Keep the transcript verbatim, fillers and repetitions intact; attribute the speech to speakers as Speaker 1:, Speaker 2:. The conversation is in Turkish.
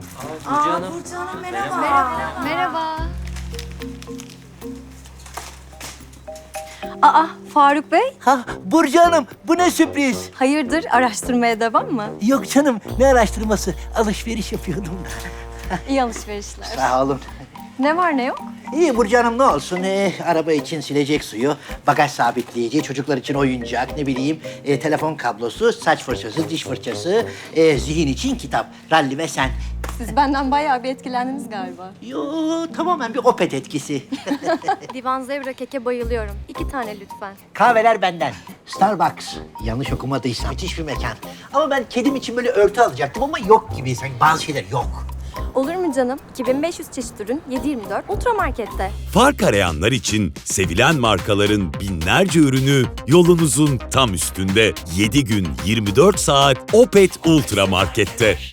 Speaker 1: Burcu Hanım.
Speaker 2: Burcu Hanım merhaba.
Speaker 3: Merhaba. Aa, Faruk Bey,
Speaker 4: Ha Burcu Hanım, bu ne sürpriz?
Speaker 3: hayırdır araştırmaya devam mı?
Speaker 4: Yok canım, ne araştırması? Alışveriş yapıyordum da.
Speaker 3: İyi alışverişler.
Speaker 4: Sağ olun.
Speaker 3: Ne var ne yok?
Speaker 4: İyi Burcu Hanım, ne olsun? Ee, araba için silecek suyu, bagaj sabitleyici, çocuklar için oyuncak, ne bileyim, e, telefon kablosu, saç fırçası, diş fırçası, e, zihin için kitap, ralli ve sen.
Speaker 3: Siz benden bayağı bir etkilendiniz galiba.
Speaker 4: Yo, tamamen bir opet etkisi.
Speaker 3: Divan zebra keke bayılıyorum. İki tane lütfen.
Speaker 4: Kahveler benden. Starbucks. Yanlış okumadıysam müthiş bir mekan. Ama ben kedim için böyle örtü alacaktım ama yok gibi. Sanki bazı şeyler yok.
Speaker 3: Olur mu canım? iki bin beş yüz çeşit ürün yedi yirmi dört Ultramarket'te.
Speaker 5: Fark arayanlar için sevilen markaların binlerce ürünü yolunuzun tam üstünde. yedi gün yirmi dört saat Opet Ultra Market'te.